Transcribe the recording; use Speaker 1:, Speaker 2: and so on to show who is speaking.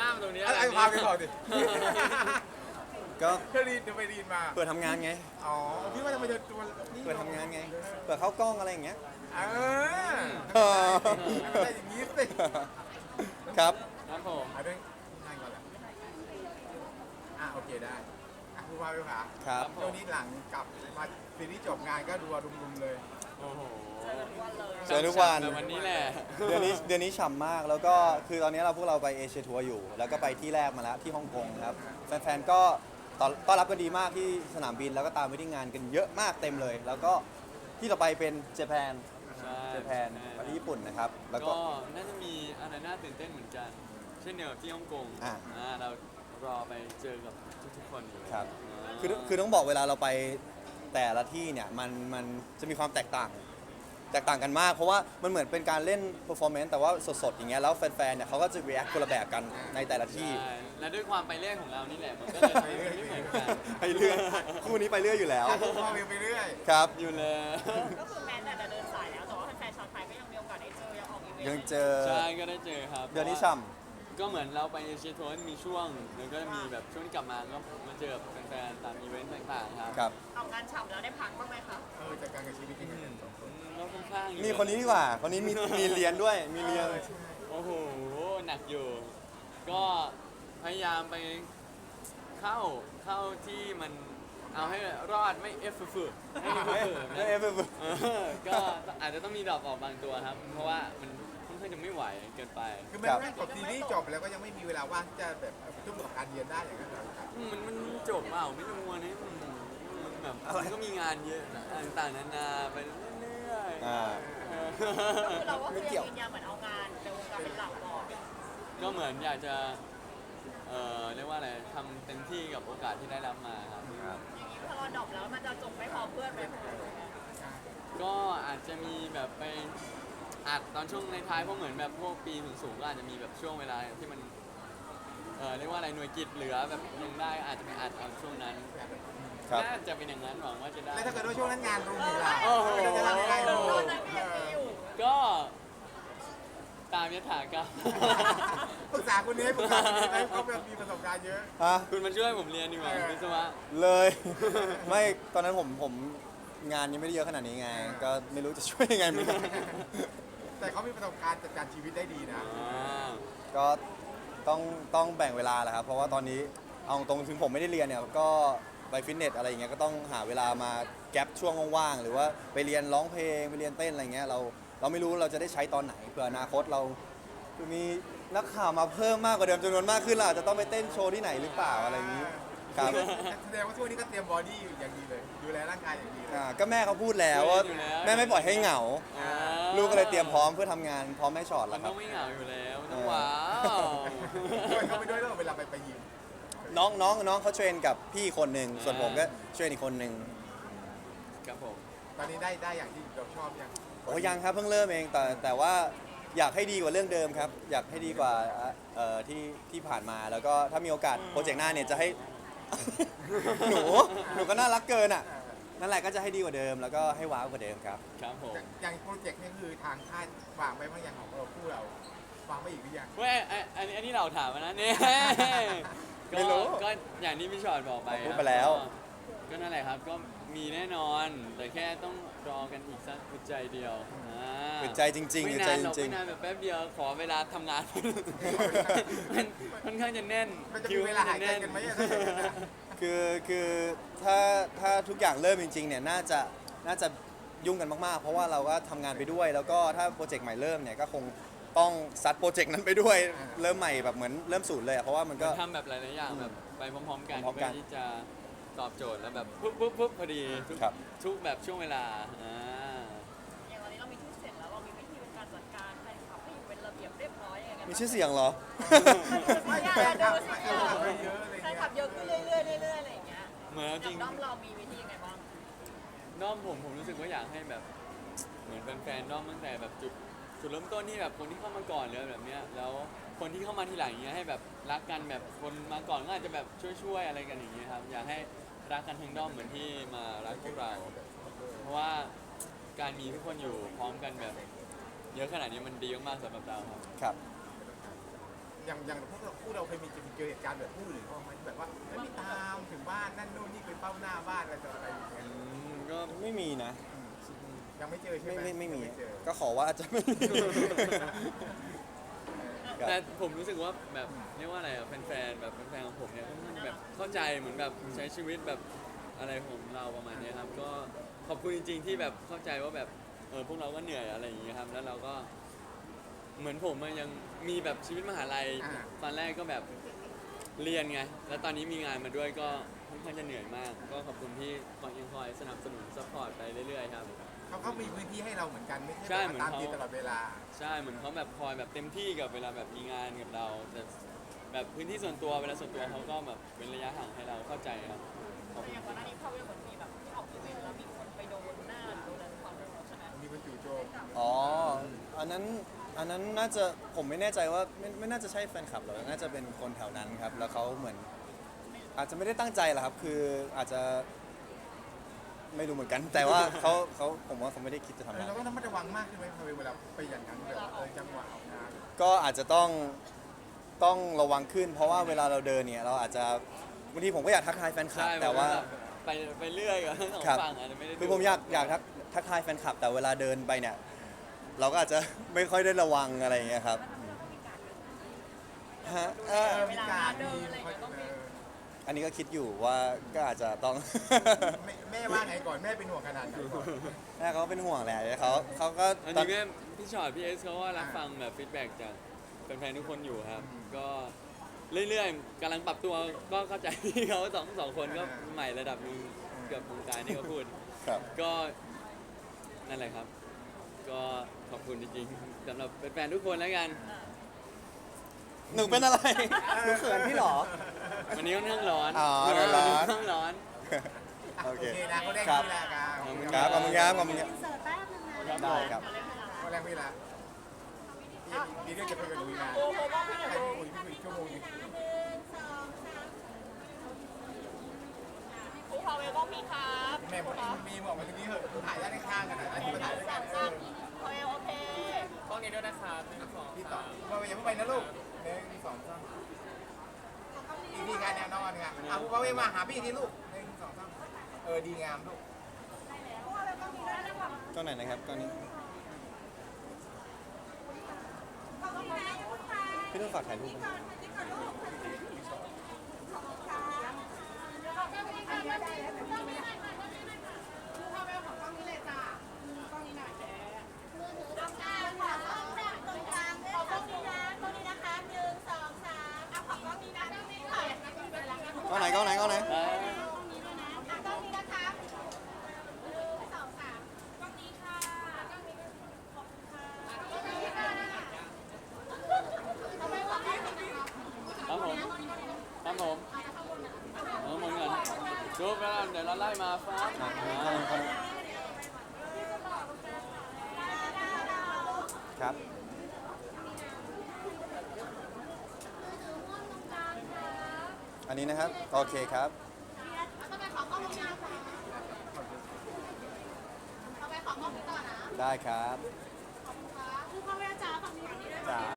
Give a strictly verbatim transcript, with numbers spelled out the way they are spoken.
Speaker 1: น้ามาตรงนี้
Speaker 2: อะไรพาไปก่อนดิ
Speaker 3: ก็
Speaker 2: เธอรีนเธอไปรีนมา
Speaker 3: เปิดทำงานไง
Speaker 2: อ๋อพี่ว่าจะไปเจอตัวนี่
Speaker 3: เปิดทำงานไง เปิดเข้ากล้องอะไรอย่างเงี้ย
Speaker 2: เออ
Speaker 3: เออ
Speaker 2: อะไรอย่างนี้สิ
Speaker 3: ครับ
Speaker 1: ครับผม
Speaker 2: เอาเรื่องงานก่อนแหละอ่ะโอเคได้อ่ะคุณพาไปค่ะ
Speaker 3: ครับ
Speaker 2: ช่วงนี้หลังกลับมาซีรีส์จบงานก็ดูรุมๆเลย
Speaker 1: โอ้โห
Speaker 3: เจอทุกวัน
Speaker 1: แต่วันนี้แหละ
Speaker 3: เดือนนี้เดือนนี้ฉ่ำมาก แล้วก็คือตอนนี้เราพวกเราไปเอเชียทัวร์อยู่ แล้วก็ไปที่แรกมาแล้วที่ฮ่องกงครับ แฟนๆ ก็ต้อนต้อนรับกันดีมากที่สนามบิน แล้วก็ตามไปที่งานกันเยอะมากเต็มเลย แล้วก็ที่ต่อไปเป็นเจแปน
Speaker 1: ใช่
Speaker 3: เจแปนประเทศญี่ปุ่นนะครับ แล้วก็
Speaker 1: ก็น่าจะมีอะไรน่าตื่นเต้นเหมือนกัน เช่นเดียวกับที่ฮ่องกง
Speaker 3: อ่ะ
Speaker 1: อ่าเรารอไปเจอกับทุกๆคนอยู่
Speaker 3: ครับ
Speaker 1: า
Speaker 3: คือคือต้องบอกเวลาเราไปแต่ละที่เนี่ยมันมันจะมีความแตกต่าง แตกต่างกันมาก เพราะว่ามันเหมือนเป็นการเล่น performance แต่ว่าสดๆอย่างเงี้ยแล้วแฟนๆเนี่ยเขาก็จะ react คนละแบบกันในแต่ละที่
Speaker 1: ใช่และด้วยความไปเรื่อยของเรานี่แหละมันก็เลยทำให้มันไม่เหมือนกัน
Speaker 3: ไปเรื่อยคู่นี้ไปเรื่อยอยู่แล้ว
Speaker 2: คุณพาไปเรื่อย
Speaker 3: ครับ
Speaker 1: อยู่เลย
Speaker 4: ก็คือแม้แต่จะเดินสายแล้ว แต่ว่าแฟนๆชาวไทยก็ยังมีโอกาสได้เจอ ยังออกอีเวนต์
Speaker 3: ยังเจอ
Speaker 1: ใช่ก็ได้เจอครับ
Speaker 3: เดือนนี้ช่
Speaker 1: ก็เหมือนเราไปเอเชียทัวร์มีช่วงแล้วก็มีแบบช่วงที่กลับมาก็มาเจอกับแฟนๆตามอีเวนต์ต่างๆครับ
Speaker 3: ำครับ
Speaker 4: ออกงานฉ่ำแล้วได้พักบ้างไหมคะ
Speaker 2: ๆเออจากการกับชีวิตจริง
Speaker 1: อืมก็ค่อนข้างอยู่
Speaker 3: นี่คนนี้ดีกว่า คนนี้มีมีเรียนด้วย มีเรียน
Speaker 1: โอ้โหหนักอยู่ ก็พยายามไปเข้าเข้าที่มันเอาให้รอดไม่เอฟฝืดให้มันฝืด
Speaker 3: เอฟเอฟ
Speaker 1: เออก็อาจจะต้องมีดรอปออกบางตัวครับ เพราะว่ามันค่อนข้างจะไม่ไหวเกินไป
Speaker 2: คือมันไม่จบซีรีส์จบแล้วก็ยังไม่มีเวลาว่างที่จะแบบทุ่มกับการเรียนได้อย่างนั้นเหรอครับ
Speaker 1: มันมันจบเปล่าไม่รู้วันนี้มันมันแบบมันก็มีงานเยอะต่างๆนานาไปเรื่อยๆ
Speaker 3: อ่า
Speaker 1: เออ
Speaker 4: ก็คือเราก็คือ
Speaker 3: ไม่เกี่
Speaker 4: ยั
Speaker 3: ยว
Speaker 4: งยืนยันเหมือนเอางานในวงการเป็นหลักก่อน
Speaker 1: ก็เหมือนอยากจะเอ่อเรียกว่าอะไรทำเต็มที่กับโอกาสที่ได้รับมาครับ
Speaker 4: อย่างนี้พอเราดรอปแล้วมันจะจบไม่พอเพื่อนไหมคุณ
Speaker 1: ก็อาจจะมีแบบไปอัดตอนช่วงในท้ายเพราะเหมือนแบบพวกปีสูงๆก็อาจจะมีแบบช่วงเวลาที่มันเออเรียกว่าอะไรหน่วยกิจเหลือแบบยังได้อาจจะไปอัดเอาช่วงนั้น
Speaker 3: ครับ
Speaker 1: น่าจะเป็นอย่างนั้นหวังว่าจะได้
Speaker 2: แล้วถ้าเกิดว่าช่วงนั้นงานรุมอยู่ล่ะ
Speaker 1: โอ้โห
Speaker 2: เราจะทำยังไง
Speaker 4: ต
Speaker 2: ดู
Speaker 4: อนนั้นก็ยังมีอยู่
Speaker 1: ก็ตามยถากรรม
Speaker 2: ปรึกษาคนนี้ปรึกษาคนนี้ไหมเขาแบบมีประสบการณ์เยอะ
Speaker 3: ฮะ
Speaker 1: คุณมาช่วยผมเรียนดีกว่า
Speaker 2: เออ
Speaker 1: วิศวะ
Speaker 3: เลย ไม่ ตอนนั้นผมผมงานยังไม่ได้เยอะขนาดนี้ไง ก็ไม่รู้จะช่วยยังไงเหมือนกัน
Speaker 2: แต่เขามีประสบการณ์จัดการชีวิตได้ดีนะ
Speaker 1: อ่า
Speaker 3: ก็ต้องต้องแบ่งเวลาแหละครับ เพราะว่าตอนนี้เอาตรงถึงผมไม่ได้เรียนเนี่ยก็ไปฟิตเนสอะไรอย่างเงี้ยก็ต้องหาเวลามาแก็บช่วงว่างๆหรือว่าไปเรียนร้องเพลงไปเรียนเต้นอะไรเงี้ยเราเราไม่รู้เราจะได้ใช้ตอนไหนเผื่ออนาคตเราคือมีนักข่าวมาเพิ่มมากกว่าเดิมจำนวนมากขึ้นเราอาจจะต้องไปเต้นโชว์ที่ไหนหรือเปล่าอะไรอย่างนี้ครับ
Speaker 2: แสดงว่าช่วงนี้ก็เตรียมบอดี้อย่างดีเลย ดูแลร่างกายอย่างดีเลย
Speaker 3: อ่าก็แม่เขาพูดแล้วว่าแม่ไม่ปล่อยให้เหงา
Speaker 1: อ่า
Speaker 3: ลูกก็เลยเตรียมพร้อมเพื่อทำงานพร้อมแม่ชอต
Speaker 1: มั
Speaker 3: แล้
Speaker 1: น
Speaker 3: วค
Speaker 1: ต้
Speaker 3: รั
Speaker 1: อบ งไม่เหงาอยู่แล้วมันต้องว้าว
Speaker 2: ช่วยเขาไปด้วยแล้วเวลาไปไปยิม
Speaker 3: น้องน้องน้องเขาเทรนกับพี่คนหนึ่งส่วนผมก็เทรนอีกคนหนึ่ง
Speaker 1: ครับผม
Speaker 2: ตอนนี้ได้ได้อย่างที่เราชอบยัง
Speaker 3: โอ้ยังครับเพิ่งเริ่มเองแต่แต่ว่าอยากให้ดีกว่าเรื่องเดิมครับ อยากให้ดีกว่าเอ่อที่ที่ผ่านมาแล้วก็ถ้ามีโอกาสโปรเจกต์หน้าเนี่ยจะให้ หนูหนูก็น่ารักเกินอ่ะนั่นแหละก็จะให้ดีกว่าเดิมแล้วก็ให้ว้าวกว่าเดิมครับ
Speaker 1: ครับผม
Speaker 2: อย่างโปรเจกต์นี่คือทางค่ายวางไปบางอย่างของเราคู่เราวางไปอีกหรือยัง
Speaker 1: เว้ยไอ้อันนี้อันนี้เราถามมานะเนี่ย
Speaker 3: ไม่รู้
Speaker 1: ก็ก็อย่างที่พี่ชอตบอกไป
Speaker 3: พูด
Speaker 1: ครับ
Speaker 3: ไปแล้ว
Speaker 1: ก็ก็นั่นแหละครับก็มีแน่นอน แต่แค่ต้องรอกันอีกสักอึดใจเดียวอ่า
Speaker 3: อึดใจจริงๆ
Speaker 1: ไม่
Speaker 3: อึด
Speaker 1: นา
Speaker 3: ใจ
Speaker 1: น
Speaker 3: จ
Speaker 1: หรอก
Speaker 3: ริง
Speaker 1: ไม่นานแบบแป๊บเดียวขอเวลาทำงาน มันค่อนข้างจะแน่น
Speaker 2: มันจะมีเวลาหายใจกันไหมอะถ้าเกิดอย่างนั้นอะ
Speaker 3: ๆคือคือถ้าถ้าทุกอย่างเริ่มจริงๆเนี่ยน่าจะน่าจะยุ่งกันมากๆ เพราะว่าเราก็ทำงานไปด้วย แล้วก็ถ้าโปรเจกต์ใหม่เริ่มเนี่ยก็คงต้องซัดโปรเจกต์นั้นไปด้วยเริ่มใหม่แบบเหมือนเริ่มศูนย์เลยอะเพราะว่ามันก็
Speaker 1: ทำแบบหลายๆอย่างแบบไปพร้อมๆกัน
Speaker 3: พร้อมๆกั
Speaker 1: เพื่อน ที่จะตอบโจทย์แล้วแบบปุ๊บปุ๊บปุ๊บพอดีทุก
Speaker 3: ครับ
Speaker 1: ทุกแบบช่วงเวลาอ่า
Speaker 4: อย่างวันนี้เรามีชื่อเสียงแล้วเรามีวิธีในการจัดการแฟนคลับให้อยู่เป็นระเบียบเรียบร้อยยังไงกัน
Speaker 3: มีชื่อเสียงเหรอ
Speaker 4: ไม่อยากจะดูสิเนี่ย
Speaker 2: เยอะอะไร
Speaker 4: แฟ
Speaker 2: เงี้
Speaker 4: น
Speaker 2: ย
Speaker 4: คลับเยอะขึ้นเรื่อยๆเรื่อยๆอะไรอย่างเงี้ย
Speaker 1: เหมือนเอา
Speaker 4: อ
Speaker 1: จริ
Speaker 4: ย่าง งด้อมเรามีวิธียังไงบ้าง
Speaker 1: ด้อมผมผมรู้สึกว่าอยากให้แบบเหมือนแฟนๆด้อมตั้งแต่แบบจุดจุดเริ่มต้นที่แบบคนที่เข้ามาก่อนเลยแบบเนี้ยแล้วคนที่เข้ามาทีหลังอย่างเงี้ยให้แบบรักกันแบบคนมาก่อนก็อาจจะแบบช่วยๆอะไรกันอย่างเงี้ยครับอยากให้รักกันทั้งด้อมเหมือนที่มารักพวกเรา เพราะว่าการมีทุกคนอยู่พร้อมกันแบบเยอะขนาดนี้มันดีมากๆสำหรับเราครับ
Speaker 3: ครับ
Speaker 2: ออย่างอย่างพวกเราคู่เราเคยมีเจอเหตุการณ์แบบคู่อื่นเขาไหมแบบว่าไม่มีตามถึงบ้านนั่นนู่นนี่ไปเฝ้าหน้าบ้านอะไรต่ออะไรอย่างเงี้ย
Speaker 1: อืมก็
Speaker 3: ไม่มีนะ
Speaker 2: ยังไม่เจอใช่
Speaker 3: ไม่
Speaker 2: ไหม
Speaker 3: ไม่ไม่มี
Speaker 2: ยังเจอ
Speaker 3: ก็ขอว่าอาจจะไม่มี ครับ
Speaker 1: แต่ผมรู้สึกว่าแบบเรียกว่าอะไรอะแฟนๆแบบแฟนๆของผมเนี่ยค่อนข้างแบบเข้าใจเหมือนแบบใช้ชีวิตแบบอะไรของเราประมาณเนี้ยครับก็ขอบคุณจริง ๆ ที่แบบเข้าใจว่าแบบเออพวกเราก็เหนื่อยอะไรอย่างเงี้ยครับแล้วเราก็เหมือนผมอะยังมีแบบชีวิตมหาลัย
Speaker 2: อ่า
Speaker 1: ตอนแรกก็แบบเรียนไงแล้วตอนนี้มีงานมาด้วยก็ค่อนข้างจะเหนื่อยมาก ก็ขอบคุณที่คอยยังคอยสนับสนุนซัพพอร์ตไปเรื่อยๆครับ
Speaker 2: เขาก็มีพื้นที่ให้เราเหมือนกันไม่
Speaker 1: ใช่
Speaker 2: ใช่
Speaker 1: เหมื
Speaker 2: แบ
Speaker 1: อน
Speaker 2: บว่าตาม
Speaker 1: เขา
Speaker 2: ตีตลอดเวลา
Speaker 1: ใช่เหมือนเขาแบบคอยแบบเต็มที่กับเวลาแบบมีงานกับเราแต่แบบพื้นที่ส่วนตัวเวลาส่วนตัวเขาก็แบบเป็นระยะห่างให้เราเข้าใจครับขอบ
Speaker 4: แต่
Speaker 1: คุณ
Speaker 4: อย่างก่อนหน้านี้พอเวลเหมือนมีแบบที่ออกอีเวนต์แล้วมีคนไปโดนหน้าหรือโดนอะไรความเร็วใช่ไหม
Speaker 2: มีคนจู่โจม
Speaker 3: อ๋อ อันนั้น อันนั้นน่าจะ ผมไม่แน่ใจว่าไม่ไม่น่าจะใช่แฟนคลับหรอกน่าจะเป็นคนแถวนั้นครับ แล้วเขาเหมือน อาจจะไม่ได้ตั้งใจหรอกครับ คืออาจจะไม่รู้เหมือนกัน แต่ว่าเขาเขาผมว่าเขาไม่ได้คิดจะทำ
Speaker 2: เออ
Speaker 3: ร้าย
Speaker 2: เราก็ต้องระมัดระวังมากขึ้นไหมเวลาไปอย่างนั้นแบบเออจังหวะออกงาน
Speaker 3: ก็อาจจะต้อง ต้องระวังขึ้น เพราะว่าเวลาเราเดินเนี่ย เราอาจจะ บางทีผมก็อยากทักทายแฟนคลับ
Speaker 1: ใช่
Speaker 3: แต่ว่า
Speaker 1: ไปไปเรื่อยกับทั้งสอง
Speaker 3: ครับ
Speaker 1: ฝั่งอาจจะไม่ได้
Speaker 3: คือผมอยากอยากทักทักทายแฟนคลับ แต่เวลาเดินไปเนี่ย เราก็อาจจะ ไม่ค่อยได้ระวังอะไรอย่างเงี้ยครับฮะเอ่อ
Speaker 4: เวลาเดินอะไรอย่างเงี้ยต้องมี
Speaker 3: อันนี้ก็คิดอยู่ว่าก็อาจจะต้อง
Speaker 2: แม่แม่ว่าไงก่อนแม่เป็นห่วงขนาดไหนก่อน
Speaker 3: แม่เขาก็เป็นห่วงแหละเขาเขาก็
Speaker 1: อัน
Speaker 3: ตอ
Speaker 1: นี้
Speaker 3: น
Speaker 1: แม่พี่ชอตพี่เอสเขาก็รับ
Speaker 2: อ่า
Speaker 1: ฟังแบบฟีดแบ็กจากแฟนๆทุกคนอยู่ครับ
Speaker 2: อืม
Speaker 1: ก็เรื่อยๆกำลังปรับตัวก็เข้าใจพี่เขาสองสองคนก็
Speaker 2: อ่า
Speaker 1: ใหม่ระดับหนึงเกือบวงการนี่ก็พูด
Speaker 3: ครับ
Speaker 1: ก็นั่นแหละครับ ก็ขอบคุณจริงๆสำหรับแฟนๆทุกคนแล้วกัน
Speaker 3: หนูเป็นอะไร หนูเขินพี่เหรอ
Speaker 1: วันนี้ค่อนข้างร้อน
Speaker 3: อ๋อร้อน
Speaker 1: ค่อนข้างร้อน
Speaker 3: โอเค
Speaker 2: นะเขาได้
Speaker 3: ครับ
Speaker 2: พี่ละครับ
Speaker 1: ขอบคุณ
Speaker 3: ครับขอบคุณครับขอบคุณครับ
Speaker 4: เสิร์ฟแป๊บนึงนะ
Speaker 3: ได้ครับ
Speaker 2: เขาแรงพี่ละมีเรื่องจะคุยกับหนูอีกนะ
Speaker 4: โอ้โหว่าพี่
Speaker 2: ใคร
Speaker 4: จะ
Speaker 2: คุยพี่คุยชั่วโมงนึง
Speaker 4: ครูพาเวลก็มีครับ
Speaker 2: แม่บอกมีบอกมาตรงนี้เหอะถ่ายด้านข้างกันหน่อยนะที่มาถ่ายด้วยกันเออ
Speaker 4: พาเวลโอเค
Speaker 1: กล้องนี้ด้วยนะครับหนึ่งสอง
Speaker 2: พี่ต่อมาอย่าเพิ่งไปนะลูกหนึ่งสองสามอีกทีการแนวนอนค่ะเอาพ่อเวมาหาพี่ที่ลูกหนึ่งสองสามเออดีงามลูก
Speaker 3: ก็ไหนนะครับก็นี้พี่ต้องฝากถ่ายรูปไหม กล้องไหนกล้องไหนกล้องไหน
Speaker 1: อ่า ครับผมครับผมเออเหมือนกันรูปแล้วเดี๋ยวเราไล่มาฟ้า
Speaker 3: อ่ะกล้องกล้องครับ อันนี้นะครับ โอเคครับ ได้ครับ
Speaker 4: คือพาเวลจ๋าฝั่งนี้ฝั่งนี้ด้วย
Speaker 3: จ๋า